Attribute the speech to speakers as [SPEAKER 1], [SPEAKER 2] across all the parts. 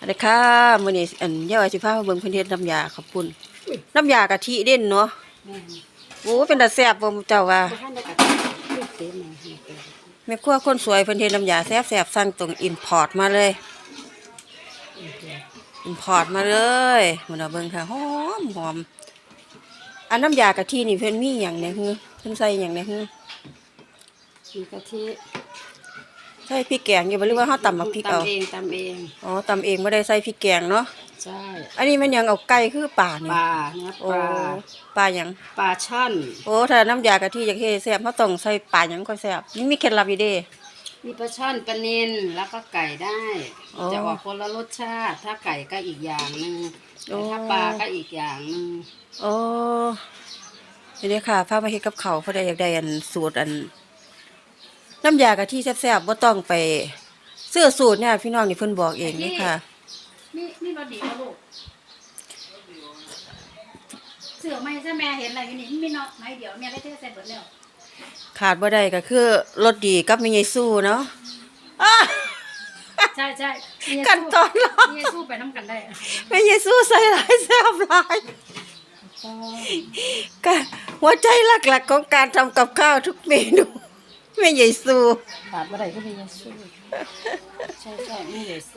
[SPEAKER 1] อันนี้ค่ะมื้อนี้ย่อยสิพามาเบิ่งเพิ่นเฮ็ดน้ำยาข้าวปุ้นน้ำยากะทิเด่นเนาะโอ้เป็นตาแซ่บบ่เจ้าว่าแม่ครัวคนสวยเพิ่นเฮ็ดน้ำยาแซ่บๆสั่งตรงอินพอร์ตมาเลยอินพอร์ตมาเลยมื้อน่ะเบิ่งค่ะหอมอันน้ำยากะทินี่เพิ่นมีหยังเนี่ยฮือเพิ่นใส่หยังเนี่ยฮือ
[SPEAKER 2] มีกะทิ
[SPEAKER 1] ใส่พริกแกงอยู่บ่หรือว่าเฮาตำบักพริกเอา
[SPEAKER 2] ตำเอง
[SPEAKER 1] อ๋อตำเองบ่ได้ใส่พริกแกงเนาะ
[SPEAKER 2] ใช่
[SPEAKER 1] อันนี้มันหยังเอาไก่คือป่านี่
[SPEAKER 2] ปลาเนื้อปลา
[SPEAKER 1] ปลาหยัง
[SPEAKER 2] ปลาช่อน
[SPEAKER 1] โอ้ถ้าน้ำยากะทิอยากเฮ็ดแซ่บเฮาต้องใส่ปลาหยังก็แซ่บนี่มีเคล็ดลับอยู่เด้
[SPEAKER 2] มีปลาช่อนปลานิลแล้วก็ไก่ได้จะออกคนละรสชาติถ้าไก่ก็อีกอย่างนึงถ้าปลาก็อีกอย่างนึง
[SPEAKER 1] โอ้นี่ค่ะพามาเฮ็ดกับข้าวเพราะได้อยากได้สูตรน้ำยากะทิแซ่บๆบ่ต้องไปซื้อสูตรเนี่ยพี่น้องนี่เพิ่นบอกเองนี่ค่ะ
[SPEAKER 2] นี่รสดีลูกเสือไม่ใช่แม่เห็นอะไรอยู่นี่มีน้อยเดี๋ยวแม่ได้เทใส่เบิดแล้ว
[SPEAKER 1] ขาดบ่ได้ก็คือรสดีกับแม่ยายสู้เนาะ
[SPEAKER 2] ใช่
[SPEAKER 1] กันตอนรอ
[SPEAKER 2] แม่สู้ไปน้ำกันได้
[SPEAKER 1] แม่ยายสู้ใส่หลายแซ่บหลายก็หัวใจหลักๆของการทำกับข้าวทุกเมนูแม่ยายสู้
[SPEAKER 2] ขาดบ่ได้ก็แม่สู้ใช่แม่สู้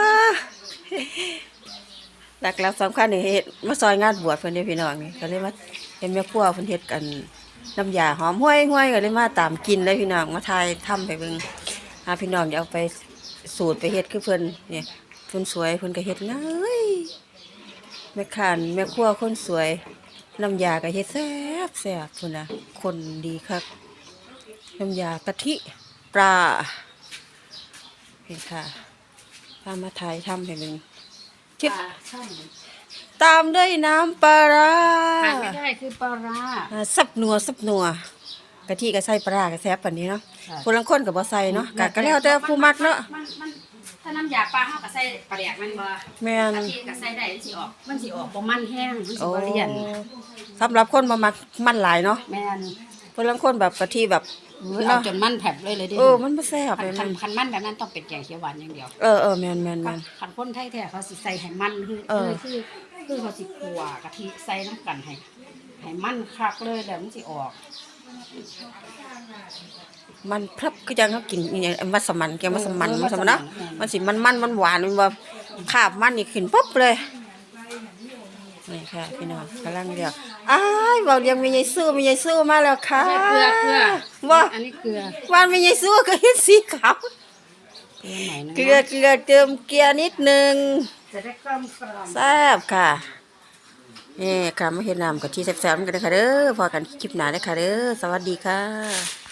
[SPEAKER 1] หลักๆสำคัญนี่เฮ็ดมาซอยงานบวชเพิ่นเด้พี่น้องนี่ก็เลยมาเห็นแม่ครัวเพิ่นเฮ็ดกันน้ำยาหอมห้วยๆก็เลยมาตามกินเลยพี่น้องมาทายทำไปเบิ่งพี่น้องอย่าเอาไปสูตรไปเฮ็ดคือเพิ่นเนี่ยเพิ่นสวยเพิ่นก็เฮ็ดง่ายแม่ค้าแม่ครัวคนสวยน้ำยาก็เฮ็ดแซ่บพุ่นน่ะคนดีคักน้ำยากะทิปลานี่ค่ะพามาทายทำให้เบิ่ง
[SPEAKER 2] ชิบ
[SPEAKER 1] ตามด้วยน้ำปลาร้า
[SPEAKER 2] ขาดไม่ได้คือปลาร้า
[SPEAKER 1] สับนัวกะทิก็ใส่ปลาร้าก็แซ่บปานนี้เนาะคนละคนก็บ่ใส่เนาะก็แล้วแต่ผู้มักเนาะ
[SPEAKER 2] ถ้าน้ำยาปลาเฮาก็ใส่ปลาแดกมันบ่
[SPEAKER 1] แม่น
[SPEAKER 2] กะทิก็ใส่ได้มันสิออกบ่มันแห้งมันสิบ่เลี่ยน
[SPEAKER 1] สำหรับคนบ่มักมันหลายเนาะ
[SPEAKER 2] แม่น
[SPEAKER 1] คนละคนแบบกะทิแบบ
[SPEAKER 2] เอาจนมันแผลบเลยดิ
[SPEAKER 1] มันบ่แซ่บ
[SPEAKER 2] เลยคันมันแบบนั้นต้องเป็นแกงเขียวหวานอย่างเดียว
[SPEAKER 1] แม่น
[SPEAKER 2] คันคนไทยแท้เขาสิใส่ให้มันคือเขาสิคั่วกะทิใส่น้ำกันให้มันคักเลยแล้วมันสิออก
[SPEAKER 1] มันพรับก็ยังเขากินมัสมั่นแกมัสมั่นเนาะมันสิมันหวานมันแบบขาบมันนี่ขึ้นปุ๊บเลยนี่ค่ะพี่น้องกำลังเดียวบอกเรียงมียายสู้มาแล้วค่ะ
[SPEAKER 2] เกลือ
[SPEAKER 1] ว่า
[SPEAKER 2] อันนี้เกลือ
[SPEAKER 1] วานมียายสู้ก็เห็นสีขาวเกลือเติมเกลือนิดนึง
[SPEAKER 2] จะได้กลม
[SPEAKER 1] แซ่บค่ะนี่ค่ะมาเห็นน้ำกับที่แซ่บๆกันเลยค่ะเด้อพอกันคลิปหน้าเลยค่ะเด้อสวัสดีค่ะ